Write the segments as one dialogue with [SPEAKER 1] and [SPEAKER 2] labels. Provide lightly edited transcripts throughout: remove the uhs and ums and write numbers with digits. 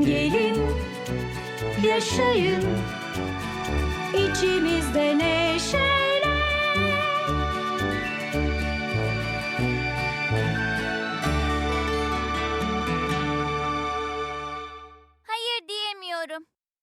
[SPEAKER 1] gelin, yaşayın içimizde neşeyle.
[SPEAKER 2] Hayır diyemiyorum.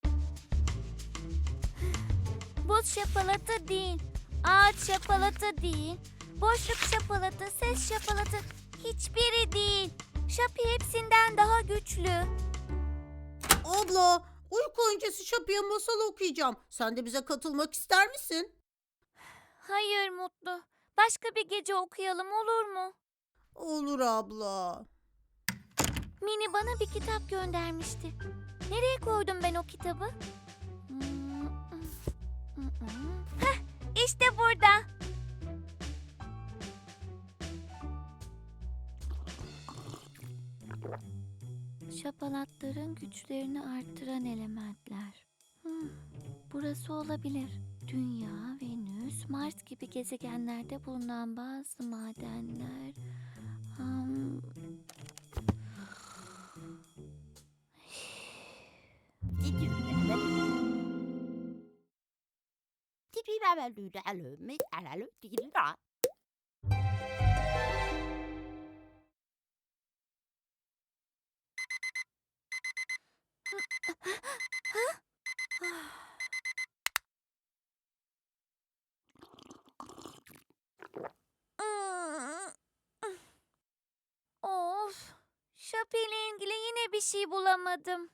[SPEAKER 2] Buz şapalatı değil, ağaç şapalatı değil, boşluk şapalatı, ses şapalatı hiçbiri değil. Şapi hepsinden daha güçlü.
[SPEAKER 3] Abla, uyku öncesi Şapi'ye masal okuyacağım. Sen de bize katılmak ister misin?
[SPEAKER 2] Hayır Mutlu. Başka bir gece okuyalım olur mu?
[SPEAKER 3] Olur abla.
[SPEAKER 2] Mini bana bir kitap göndermişti. Nereye koydum ben o kitabı? Heh, işte burada. Şapalatların güçlerini arttıran elementler. Burası olabilir. Dünya, Venüs, Mars gibi gezegenlerde bulunan bazı madenler. Of, Şapi ile ilgili yine bir şey bulamadım.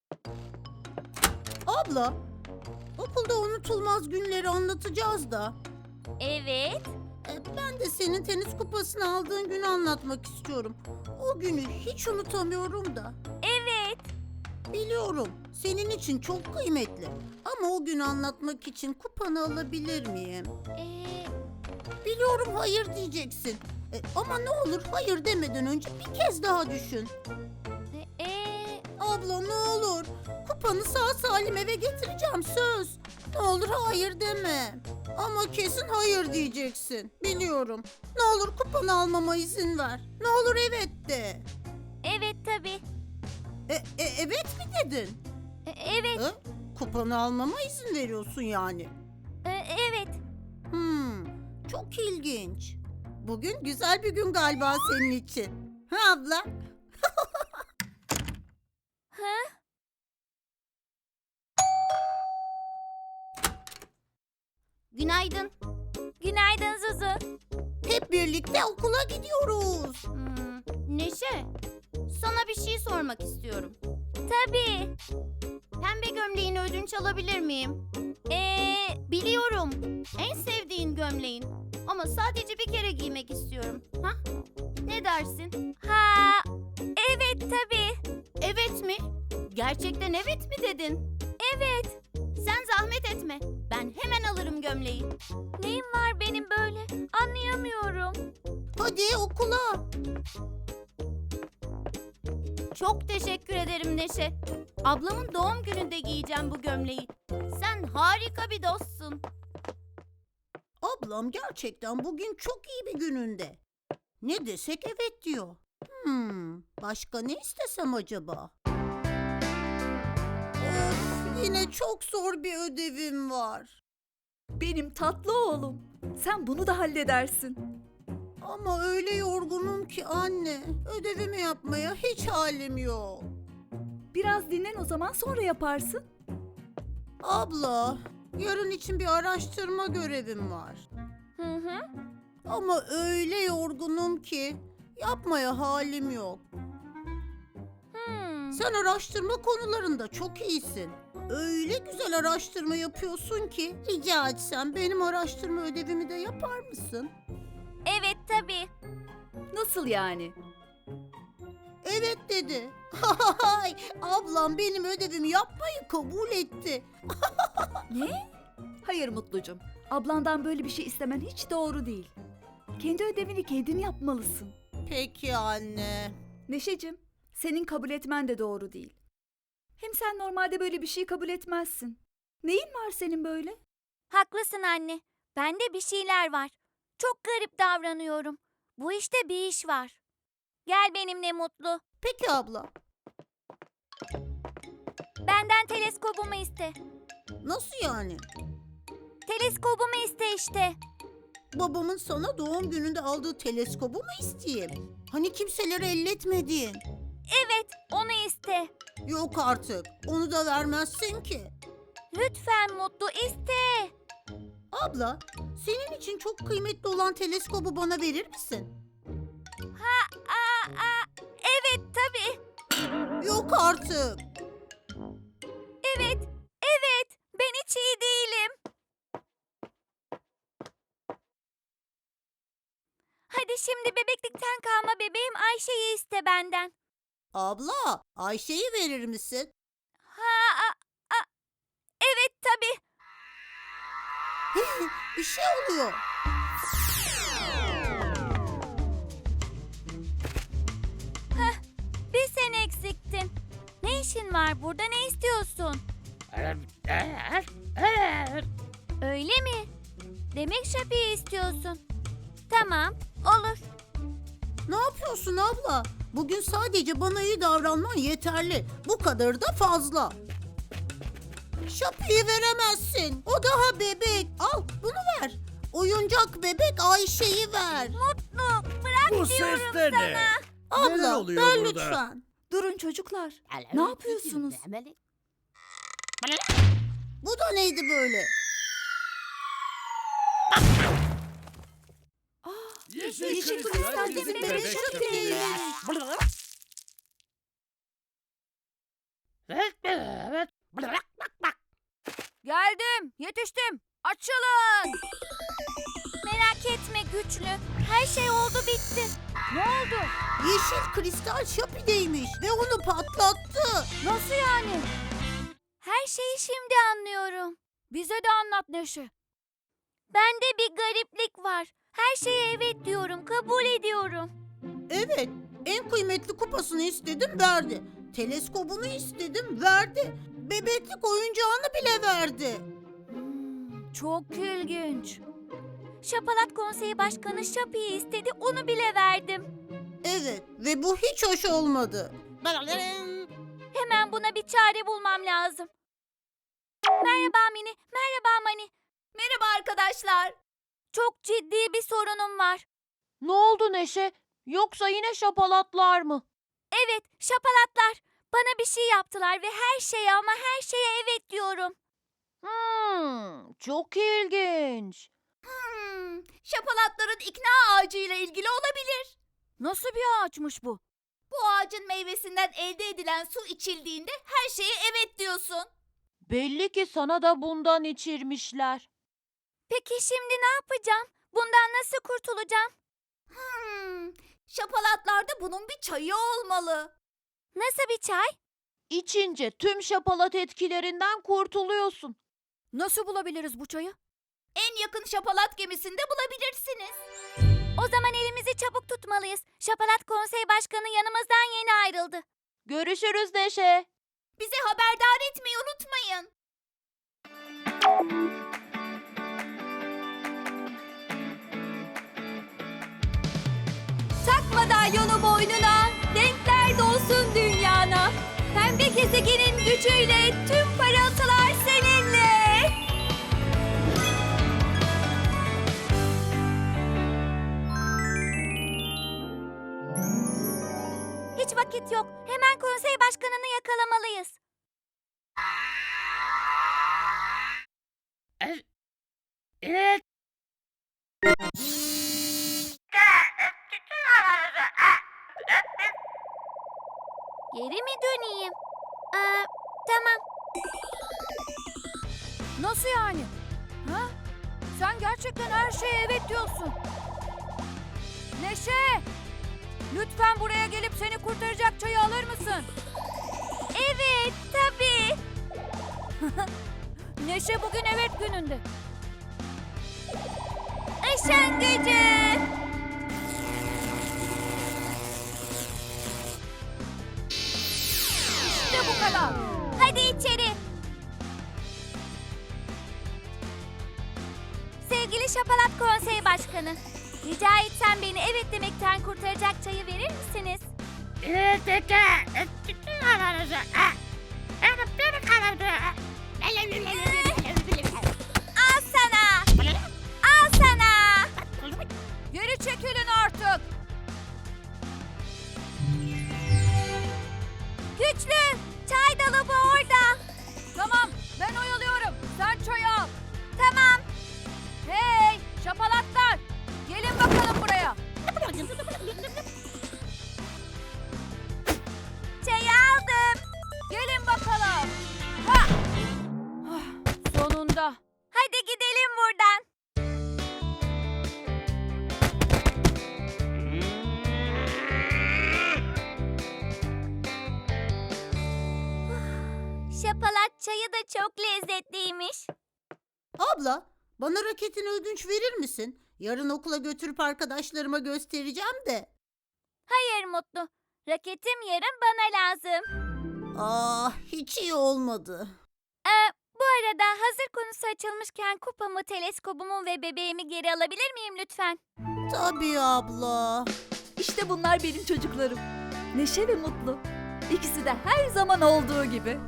[SPEAKER 3] Abla, okulda unutulmaz günleri anlatacağız da.
[SPEAKER 2] Evet.
[SPEAKER 3] Ben de senin tenis kupasını aldığın günü anlatmak istiyorum. O günü hiç unutamıyorum da.
[SPEAKER 2] Evet.
[SPEAKER 3] Biliyorum, senin için çok kıymetli. Ama o günü anlatmak için kupanı alabilir miyim? Biliyorum hayır diyeceksin. Ama ne olur hayır demeden önce bir kez daha düşün. Abla ne olur. Kupanı sağ salim eve getireceğim söz. Ne olur hayır deme. Ama kesin hayır diyeceksin. Biliyorum. Ne olur kupanı almama izin ver. Ne olur evet de.
[SPEAKER 2] Evet tabii.
[SPEAKER 3] Evet mi dedin?
[SPEAKER 2] Evet.
[SPEAKER 3] Kupanı almama izin veriyorsun yani.
[SPEAKER 2] Evet.
[SPEAKER 3] Çok ilginç. Bugün güzel bir gün galiba senin için. Ha abla?
[SPEAKER 4] Günaydın.
[SPEAKER 2] Günaydın Zuzu.
[SPEAKER 3] Hep birlikte okula gidiyoruz.
[SPEAKER 4] Neşe, sana bir şey sormak istiyorum.
[SPEAKER 2] Tabii.
[SPEAKER 4] Pembe gömleğini ödünç alabilir miyim? Biliyorum. En sevdiğin gömleğin. Ama sadece bir kere giymek istiyorum. Ha? Ne dersin?
[SPEAKER 2] Ha, evet tabii.
[SPEAKER 4] Evet mi? Gerçekten evet mi dedin?
[SPEAKER 2] Evet.
[SPEAKER 4] Sen zahmet etme. Ben hemen alırım gömleği.
[SPEAKER 2] Neyim var benim böyle? Anlayamıyorum.
[SPEAKER 3] Hadi okula.
[SPEAKER 4] Çok teşekkür ederim Neşe. Ablamın doğum gününde giyeceğim bu gömleği. Sen harika bir dostsun.
[SPEAKER 3] Ablam gerçekten bugün çok iyi bir gününde. Ne desek evet diyor. Başka ne istesem acaba? Of, yine çok zor bir ödevim var.
[SPEAKER 5] Benim tatlı oğlum. Sen bunu da halledersin.
[SPEAKER 3] Ama öyle yorgunum ki anne. Ödevimi yapmaya hiç halim yok.
[SPEAKER 5] Biraz dinlen o zaman sonra yaparsın.
[SPEAKER 3] Abla, yarın için bir araştırma görevim var.
[SPEAKER 2] Hı.
[SPEAKER 3] Ama öyle yorgunum ki yapmaya halim yok. Sen araştırma konularında çok iyisin. Öyle güzel araştırma yapıyorsun ki rica etsem benim araştırma ödevimi de yapar mısın?
[SPEAKER 2] Evet tabii.
[SPEAKER 5] Nasıl yani?
[SPEAKER 3] Evet dedi. Hay, ablam benim ödevimi yapmayı kabul etti.
[SPEAKER 5] Ne? Hayır Mutlucum. Ablandan böyle bir şey istemen hiç doğru değil. Kendi ödevini kendin yapmalısın.
[SPEAKER 3] Peki anne.
[SPEAKER 5] Neşecim, senin kabul etmen de doğru değil. Hem sen normalde böyle bir şey kabul etmezsin. Neyin var senin böyle?
[SPEAKER 2] Haklısın anne. Bende bir şeyler var. Çok garip davranıyorum. Bu işte bir iş var. Gel benimle Mutlu.
[SPEAKER 3] Peki abla.
[SPEAKER 2] Benden teleskobumu iste.
[SPEAKER 3] Nasıl yani?
[SPEAKER 2] Teleskobumu iste işte.
[SPEAKER 3] Babamın sana doğum gününde aldığı teleskobu mu isteyeyim? Hani kimseleri elletmedin.
[SPEAKER 2] Evet, onu iste.
[SPEAKER 3] Yok artık. Onu da vermezsin ki.
[SPEAKER 2] Lütfen Mutlu iste.
[SPEAKER 3] Abla, senin için çok kıymetli olan teleskobu bana verir misin?
[SPEAKER 2] Evet tabii.
[SPEAKER 3] Yok artık.
[SPEAKER 2] Evet. Ben hiç iyi değilim. Hadi şimdi bebeklikten kalma bebeğim Ayşe'yi iste benden.
[SPEAKER 3] Abla, Ayşe'yi verir misin?
[SPEAKER 2] Evet tabii.
[SPEAKER 3] Bir şey oluyor.
[SPEAKER 2] Bir sen eksiktin. Ne işin var burada, ne istiyorsun? Öyle mi? Demek Şapi'yi istiyorsun. Tamam, olur.
[SPEAKER 3] Ne yapıyorsun abla? Bugün sadece bana iyi davranman yeterli. Bu kadar da fazla. Şapi'yi veremezsin. O daha bebek. Al bunu ver. Oyuncak bebek Ayşe'yi ver.
[SPEAKER 2] Mutlu, bırak
[SPEAKER 6] Bu
[SPEAKER 2] diyorum
[SPEAKER 6] ses de
[SPEAKER 2] sana.
[SPEAKER 6] ne? Neler
[SPEAKER 3] Abla
[SPEAKER 6] oluyor
[SPEAKER 3] ver
[SPEAKER 6] burada?
[SPEAKER 3] lütfen.
[SPEAKER 5] Durun çocuklar. Ne yapıyorsunuz?
[SPEAKER 3] Bu da neydi böyle?
[SPEAKER 5] Yeşil kristal bizim bebek Şapi.
[SPEAKER 2] Geldim, yetiştim. Açılın. Merak etme güçlü. Her şey oldu bitti. Ne oldu?
[SPEAKER 3] Yeşil kristal Şapi'deymiş ve onu patlattı.
[SPEAKER 2] Nasıl yani? Her şeyi şimdi anlıyorum. Bize de anlat Neşe. Bende bir gariplik var. Her şeye evet diyorum, kabul ediyorum.
[SPEAKER 3] Evet, en kıymetli kupasını istedim verdi. Teleskobunu istedim verdi. Bebeklik oyuncağını bile verdi.
[SPEAKER 2] Çok ilginç. Şapalat Konseyi Başkanı Şapi'yi istedi, onu bile verdim.
[SPEAKER 3] Evet ve bu hiç hoş olmadı.
[SPEAKER 2] Hemen buna bir çare bulmam lazım. Merhaba Mini, merhaba Mani.
[SPEAKER 4] Merhaba arkadaşlar.
[SPEAKER 2] Çok ciddi bir sorunum var.
[SPEAKER 7] Ne oldu Neşe? Yoksa yine şapalatlar mı?
[SPEAKER 2] Evet, şapalatlar. Bana bir şey yaptılar ve her şeye ama her şeye evet diyorum.
[SPEAKER 7] Çok ilginç.
[SPEAKER 4] Şapalatların ikna ağacıyla ilgili olabilir.
[SPEAKER 2] Nasıl bir ağaçmış bu?
[SPEAKER 4] Bu ağacın meyvesinden elde edilen su içildiğinde her şeye evet diyorsun.
[SPEAKER 7] Belli ki sana da bundan içirmişler.
[SPEAKER 2] Peki şimdi ne yapacağım? Bundan nasıl kurtulacağım?
[SPEAKER 4] Şapalatlarda bunun bir çayı olmalı.
[SPEAKER 2] Nasıl bir çay?
[SPEAKER 7] İçince tüm şapalat etkilerinden kurtuluyorsun.
[SPEAKER 2] Nasıl bulabiliriz bu çayı?
[SPEAKER 4] En yakın şapalat gemisinde bulabilirsiniz.
[SPEAKER 2] O zaman elimizi çabuk tutmalıyız. Şapalat Konsey Başkanı yanımızdan yeni ayrıldı.
[SPEAKER 7] Görüşürüz Neşe.
[SPEAKER 4] Bizi haberdar etmeyi unutmayın.
[SPEAKER 2] Tak madalyonu boynuna, renkler dolsun dünyana. Pembe gezegenin gücüyle tüm parıltılar seninle. Hiç vakit yok. Hemen konsey başkanını yakalamalıyız.
[SPEAKER 6] Evet.
[SPEAKER 2] Geri mi döneyim? Tamam. Nasıl yani? Ha? Sen gerçekten her şeye evet diyorsun. Neşe! Lütfen buraya gelip seni kurtaracak çayı alır mısın? Evet, tabii. Neşe bugün evet gününde. Işın gücü! İşte bu kadar. Hadi içeri. Sevgili Şapalat Konsey Başkanı, rica etsem beni evet demekten kurtaracak çayı verir misiniz?
[SPEAKER 6] Evet.
[SPEAKER 2] Al sana. Al sana.
[SPEAKER 5] Geri çekilin artık.
[SPEAKER 2] Güçlü. Çay dolabı orada.
[SPEAKER 5] Tamam, ben oyalıyorum. Sen çayı al.
[SPEAKER 2] Tamam.
[SPEAKER 5] Hey, şapalatlar. Gelin bakalım buraya.
[SPEAKER 2] Çayı aldım.
[SPEAKER 5] Gelin bakalım. Ha! Ah, sonunda.
[SPEAKER 2] Hadi gidelim buradan. Şapalat çayı da çok lezzetliymiş.
[SPEAKER 3] Abla, bana raketini ödünç verir misin? Yarın okula götürüp arkadaşlarıma göstereceğim de.
[SPEAKER 2] Hayır Mutlu. Raketim yarın bana lazım.
[SPEAKER 3] Ah, hiç iyi olmadı.
[SPEAKER 2] Bu arada hazır konusu açılmışken kupamı, teleskobumu ve bebeğimi geri alabilir miyim lütfen?
[SPEAKER 3] Tabii abla.
[SPEAKER 5] İşte bunlar benim çocuklarım. Neşe ve Mutlu. İkisi de her zaman olduğu gibi.